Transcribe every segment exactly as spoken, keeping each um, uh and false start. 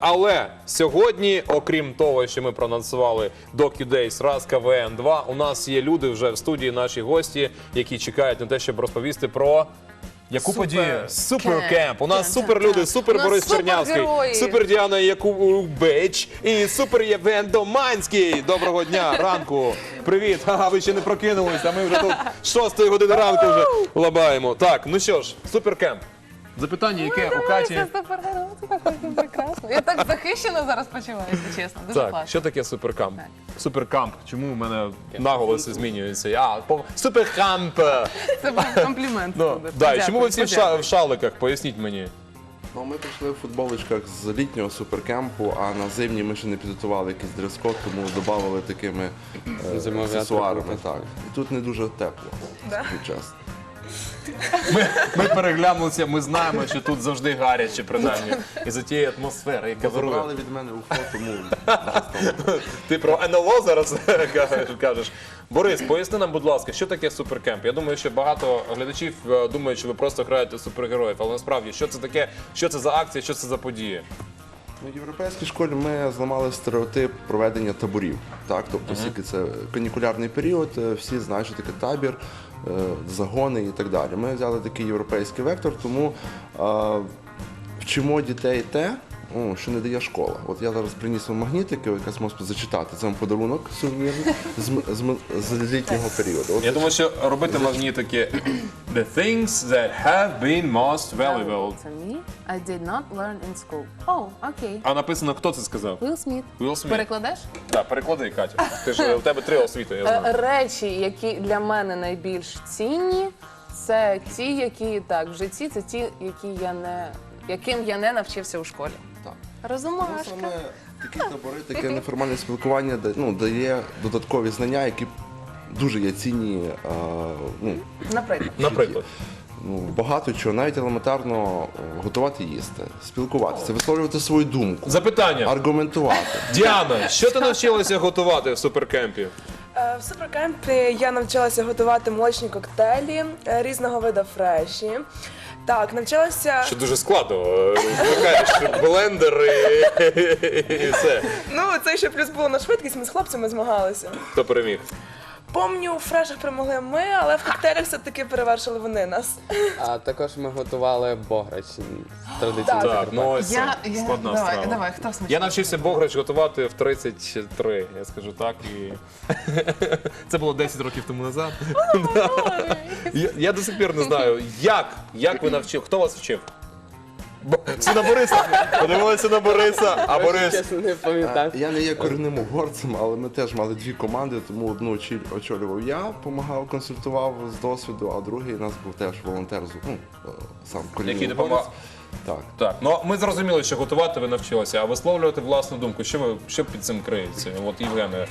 Але сьогодні, окрім того, що ми проанонсували DocuDays, раз КВН два, у нас є люди вже в студії, наші гості, які чекають на те, щоб розповісти про... Яку Супер подію? Супер кемп. Кемп. У нас Кемп, супер так, люди, так. супер У нас Борис супергерої. Чернявський, супер Діана Якубич і супер Євген Доманський. Доброго дня, ранку. Привіт. Ага, ви ще не прокинулись, а ми вже тут з шостої години ранку вже лабаємо. Так, ну що ж, супер Кемп. Запитання, яке у Каті... Це супергерой, це так прекрасно. Я так захищено зараз почуваюся, чесно. Дуже Так, класно. що таке суперкамп? Так. Суперкамп. Чому у мене наголоси змінюються? А, по- суперкамп. Це був комплімент. Ну, буде. да, і чому ви Подякую, всі в ша- подякую. в шаликах? Поясніть мені. Ну, ми прийшли в футболочках з літнього суперкемпу, а на зимні ми ще не підготували якийсь дрес-код, тому додавали такими е, Зимові аксесуарами. атрибути. Так. І тут не дуже тепло, скажу чесно. Ми, ми переглянулися, ми знаємо, що тут завжди гаряче, принаймні. І за тієї атмосфери, яка Забрали вирує. від мене уфо, тому дуже стало. Ти про ен ел о зараз кажеш. Борис, поясни нам, будь ласка, що таке суперкемп? Я думаю, що багато глядачів е, думають, що ви просто граєте супергероїв, але насправді, що це таке, що це за акція, що це за події? Ну, в європейській школі ми зламали стереотип проведення таборів. Так? Тобто, оскільки це канікулярний період, е, всі знають, що таке табір, е, загони і так далі. Ми взяли такий європейський вектор, тому е, вчимо дітей те, о, що не дає школа. От я зараз приніс вам магнітики, ви якраз можете зачитати. Це вам подарунок сувенірний з, м- з, м- з літнього періоду. От Я думаю, що робити магнітики The things that have been most valuable. Це me. I did not learn in school. О, окей. А написано, хто це сказав? Уилл Сміт. Уилл Сміт. Перекладеш? Так, переклади, Катя. Ти ж, у тебе три освіти, я Е, знаю. Речі, які для мене найбільш цінні, це ті, які так, в житті, це ті, які я не, яким я не навчився у школі. так. Ну, Розумашка. саме такі табори, таке неформальне спілкування да- ну, дає додаткові знання, які дуже є цінні. а, ну, Наприклад. Наприклад. Ну, багато чого, навіть елементарно е, готувати їсти, спілкуватися, висловлювати свою думку, Запитання. аргументувати. Діана, що ти навчилася готувати в суперкемпі? Е, В суперкемпі я навчилася готувати молочні коктейлі е, різного виду фреші. Так, навчилася. Що дуже складно. е, Вмикаєш блендер і, і все. Ну, це ще плюс було на швидкість, ми з хлопцями змагалися. Хто переміг? Помню, у фрешах перемогли ми, але в коктейлях все-таки перевершили вони нас. А також ми готували бограч традиційно. Так, ну ось це Я, я, складна давай, страва. давай, хто смачний? Я навчився бограч готувати в тридцять три, я скажу так. І... Це було десять років тому назад. я, я до сих пір не знаю, як, як ви навчив, хто вас вчив? Бо- Всі на Бориса. Подивилися на Бориса, а Борис... Чесно, не пам'ятаю. Е, Я не є корінним угорцем, але ми теж мали дві команди, тому одну очі- очолював я, допомагав, консультував з досвіду, а другий у нас був теж волонтер, з- ну, е, сам корінний Який угорець. допомагав? Так. Так, ну ми зрозуміли, що готувати ви навчилися, а висловлювати власну думку. Що ви що під цим криється? От Євгене,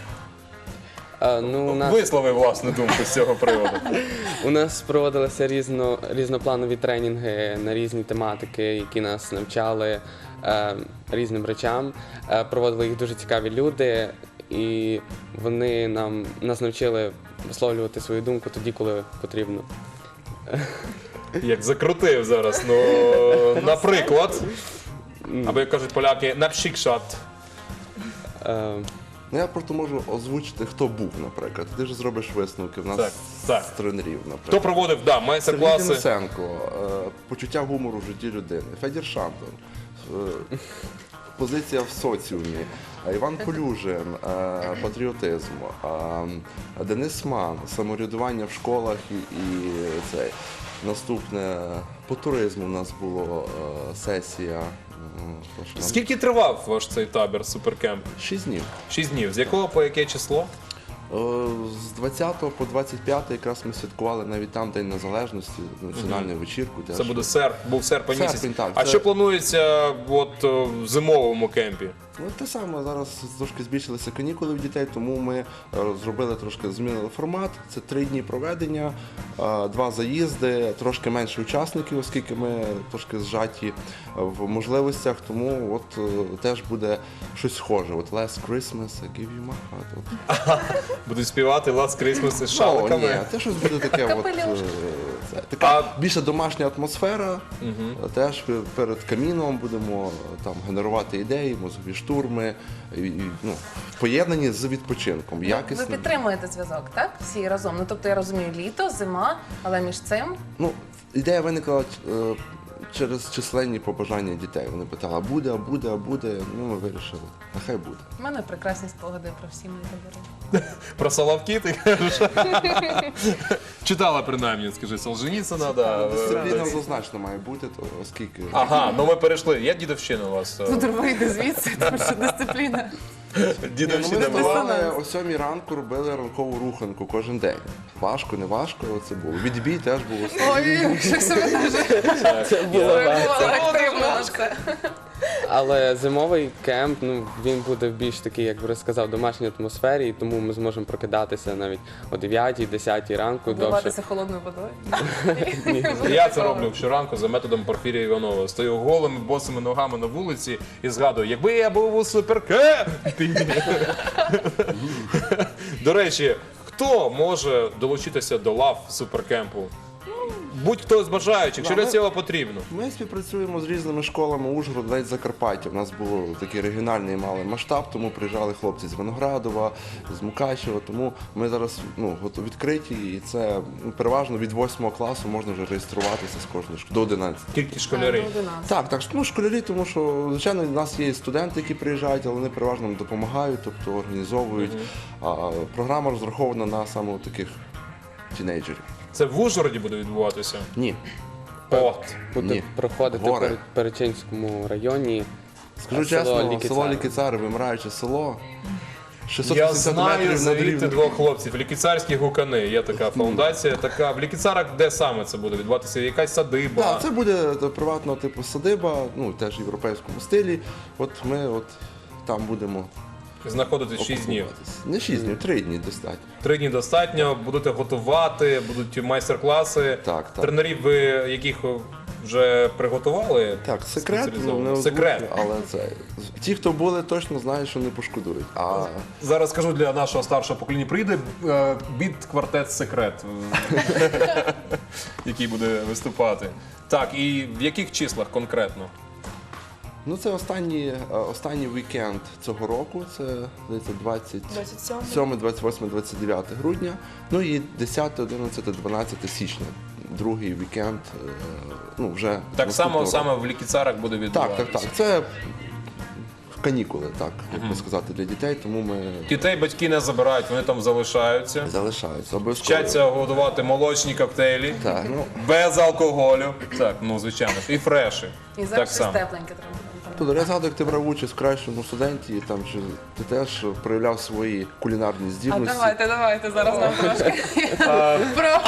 А, ну, у, нас, вислови власну думку з цього приводу. у нас проводилися різно, різнопланові тренінги на різні тематики, які нас навчали е, різним речам. Е, проводили їх дуже цікаві люди, і вони нам, нас навчили висловлювати свою думку тоді, коли потрібно. Як закрутив зараз. Ну, наприклад, або як кажуть поляки, напшікшат. Е, Ну, я просто можу озвучити, хто був, наприклад. Ти ж зробиш висновки в нас Так, так. з тренерів, наприклад. Хто проводив да, Сергій майстер-класи? Денисенко, е, почуття гумору в житті людини. Федір Шантон, е, позиція в соціумі. Е, Іван Полюжин, е, патріотизм. е, Денис Ман, самоврядування в школах і, і цей. Наступне по туризму у нас була е, сесія. м, хто ж нам? Скільки тривав ваш цей табір суперкемп? Шість днів. Шість днів. З якого по яке число? Е, З двадцятого по двадцять п'яте якраз ми святкували навіть там День Незалежності, національну вечірку. Це буде серп, був серпень місяць. Серпень, так, А це- що планується от, е, в зимовому кемпі? Ну, те саме, зараз трошки збільшилися канікули в дітей, тому ми е, зробили трошки, змінили формат. Це три дні проведення, е, два заїзди, трошки менше учасників, оскільки ми трошки зжаті в можливостях, тому от е, теж буде щось схоже. От Last Christmas, I give you my heart. От. Будуть співати Last Christmas із Ну, шаликами. ні, те щось буде таке. От, Капелюшки. е, це. Така А- більше домашня атмосфера. Теж перед каміном будемо там генерувати ідеї, мозгові штурми, і, і, ну, поєднані з відпочинком. Ви Якісним. підтримуєте зв'язок, так? Всі разом. Ну тобто я розумію, літо, зима, але між цим Ну, ідея виникла е, через численні побажання дітей. Вони питали, а буде, а буде, а буде. Ну, ми вирішили, нехай буде. в мене прекрасні спогади про всі мої табори. Про Соловки ти кажеш? Читала принаймні, скажи, Солженіцина, да. Дисципліна однозначно має бути, то оскільки Ага, ну ми перейшли. Є дідовщина у вас? Тут вийде звідси, тому що дисципліна. Ні, ну, ми Дідовщина була? вставали о сьомій ранку, робили ранкову руханку кожен день. Важко, не важко, але це було. Відбій теж було. Ой, що себе дуже Це було важко. активно. Але зимовий кемп, ну він буде в більш такий, як вже сказав, домашній атмосфері, і тому ми зможемо прокидатися навіть о дев'ятій, десятій ранку довше. Вбиватися холодною водою. Я це роблю щоранку за методом Порфірія Іванова. Стою голими босими ногами на вулиці і згадую, якби я був у суперкемпі. До речі, хто може долучитися до лав суперкемпу? Будь-хто з бажаючих, якщо для цього потрібно. Ми співпрацюємо з різними школами Ужгород, навіть Закарпаття. У нас був такий регіональний малий масштаб, тому приїжджали хлопці з Виноградова, з Мукачева. Тому ми зараз ну, готові відкриті, і це ну, переважно від восьмого класу можна вже реєструватися з кожної школи до одинадцятого. Тільки школярі. Так, так, ну школярі, тому що звичайно у нас є студенти, які приїжджають, але вони переважно нам допомагають, тобто організовують. А програма розрахована на саме таких тінейджерів. Це в Ужгороді буде відбуватися? Ні. От. Буде Ні. проходити Гори. в Пер- Перечинському районі. Скажу А село чесно, Лікицари? село Лікицари, вимираюче село. шістсот Я п'ятдесят знаю метрів над звідти рівнем. двох хлопців. Лікіцарські гукани. Є така фаундація. Така в Лікіцарах, де саме це буде відбуватися? Якась садиба? Так, це буде е, приватного типу садиба, ну теж в європейському стилі. От ми от там будемо Знаходитись шість днів. окупуватись. Не шість днів, три дні достатньо. Три дні достатньо, будете готувати, будуть майстер-класи. Так, так. Тренерів ви яких вже приготували? Так, секрет, ну, Спеціалізовано. не Секрет. озвучую, але це ті, хто були, точно знають, що не пошкодують. А Зараз скажу для нашого старшого покоління. Прийде е, біт-квартет секрет, е, який буде виступати. Так, і в яких числах конкретно? ну це останній, е, останній вікенд цього року. Це здається двадцять двадцять сьомого. сьоме, двадцять восьме, двадцять дев'яте грудня. Ну і десяте, одинадцяте, дванадцяте січня. Другий вікенд. е, Ну вже Так само наступного року. саме в Лікіцарах буде Так, відбуватися. так, так. Це канікули, так, як би сказати, для дітей, тому ми Дітей батьки не забирають, вони там залишаються. залишаються. Обов'язково. Вчаться готувати молочні коктейлі. Так, ну, Без алкоголю. Так, ну звичайно ж. І фреші. І так зараз щось само. тепленьке треба. Тобто, я згадую, як ти брав участь в кращому студенті, і там чи ти теж проявляв свої кулінарні А здібності. давайте, давайте зараз нам трошки про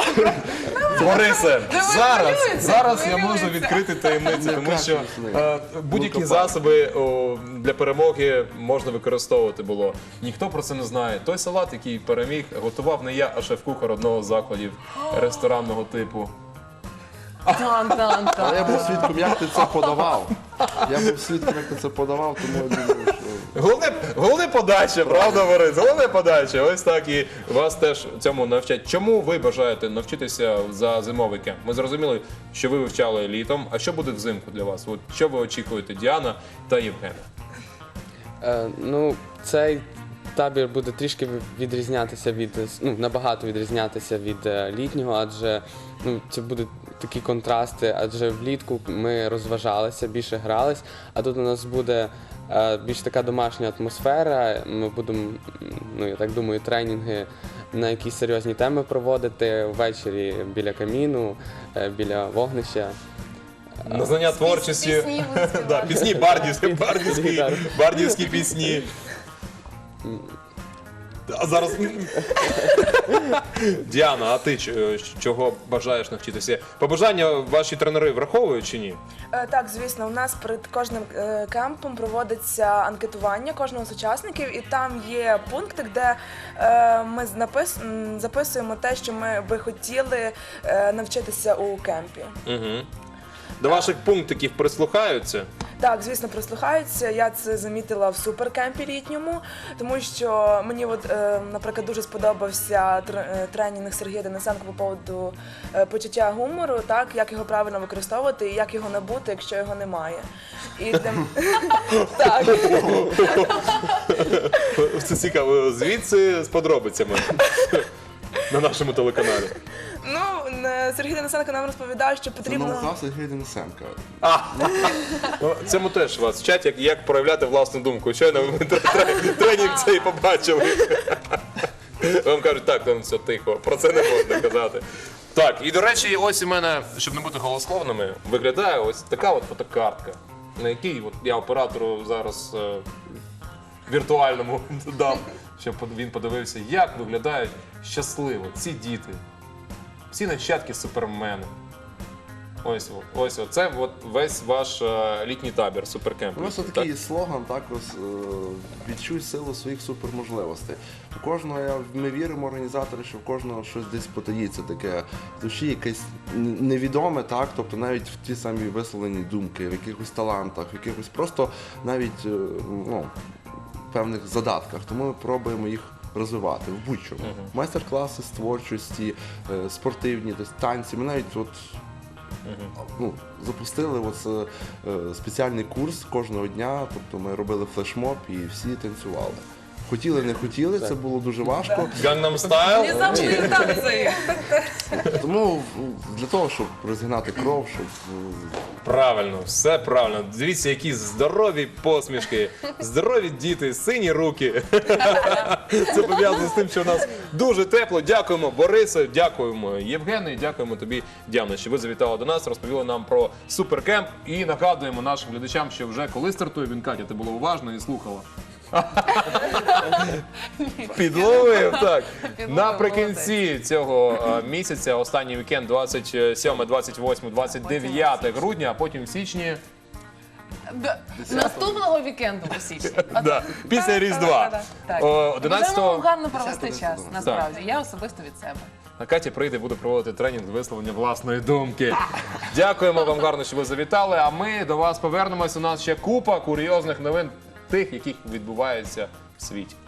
Борисе, зараз, хвилюється, зараз я хвилюється. можу відкрити таємницю, Не тому що кашляй, е, будь-які Лукопад. засоби о, для перемоги можна використовувати було. Ніхто про це не знає. Той салат, який переміг, готував не я, а шеф-кухар одного з закладів ресторанного типу. тан-тан-тан. Але я був свідком, як ти це подавав. Я був свідком, як ти це подавав, тому я думаю, що Головне, головне подача, правда, Борис? Головне подача. Ось так і вас теж цьому навчать. Чому ви бажаєте навчитися за зимовий кемп? Ми зрозуміли, що ви вивчали літом. А що буде взимку для вас? От що ви очікуєте, Діана та Євген? Е, ну, цей табір буде трішки відрізнятися від, ну, набагато відрізнятися від е, літнього, адже ну, це будуть такі контрасти, адже влітку ми розважалися, більше грались, а тут у нас буде е, більш така домашня атмосфера. Ми будемо, м, ну я так думаю, тренінги на якісь серйозні теми проводити ввечері біля каміну, е, біля вогнища. На знання творчості. Пісні будуть співати. Да, пісні бардівські, бардівські, Гітара. бардівські пісні. А зараз. Діана, а ти ч- чого бажаєш навчитися? Побажання ваші тренери враховують чи ні? Е, Так, звісно, у нас перед кожним е, кемпом проводиться анкетування кожного з учасників, і там є пункти, де е, ми напис... м, записуємо те, що ми би хотіли е, навчитися у кемпі. Угу. До ваших пунктиків прислухаються? Так, звісно, прислухаються. Я це замітила в суперкемпі літньому, тому що мені, от, е, наприклад, дуже сподобався тр- е, тренінг Сергія Денисенка по поводу е, почуття гумору, так, як його правильно використовувати і як його набути, якщо його немає. І для... так. Це цікаво. Звідси з подробицями на нашому телеканалі. Ну, е, Сергій Денисенко нам розповідав, що Це потрібно... ноу-хау Сергія Денисенка. А, ну, цьому теж вас вчать, як, як проявляти власну думку. Щойно ви тре- тренінг цей побачили. Вам кажуть, так, там все тихо, про це не можна казати. Так, і до речі, ось у мене, щоб не бути голословними, виглядає ось така от фотокартка, на якій от я оператору зараз е, віртуальному дам, щоб він подивився, як виглядають щасливо ці діти. Всі нащадки супермена. Ось, о- ось о. Це от весь ваш е, літній табір, суперкемп. У нас Так? такий слоган, також е, відчуй силу своїх суперможливостей. У кожного, я- ми віримо, організатори, що в кожного щось десь потаїться таке в душі, якесь н- невідоме, так, тобто навіть в ті самі висловлені думки, в якихось талантах, в якихось просто навіть е, ну, певних задатках. Тому ми пробуємо їх розвивати в будь-чому. Майстер-класи з творчості, е, спортивні, тобто танці. Ми навіть от ну, запустили ось, е, е, спеціальний курс кожного дня, тобто ми робили флешмоб і всі танцювали. Хотіли, не хотіли, це було дуже важко. Gangnam Style? Не завжди танці. Тому в- для того, щоб розігнати кров, щоб е, Правильно, все правильно. Дивіться, які здорові посмішки, здорові діти, сині руки. Це пов'язано з тим, що у нас дуже тепло. Дякуємо, Борисе, дякуємо, Євгене, дякуємо тобі, Діана, що ви завітали до нас, розповіли нам про суперкемп і нагадуємо нашим глядачам, що вже коли стартує він, Катя, ти була уважна і слухала. Підловив, так. Підловив, Наприкінці цього е, місяця, останній вікенд, двадцять сьоме, двадцять восьме, двадцять дев'яте грудня, а потім в січні, Д- Наступного вікенду у січні. да, після Різдва. Так. О, Бажаємо вам одинадцятого гарно провести десятого час, насправді. Я особисто від себе. А Катя прийде, буде проводити тренінг з висловлення власної думки. Дякуємо вам гарно, що ви завітали. А ми до вас повернемось. У нас ще купа курйозних новин, тих, яких відбувається в світі.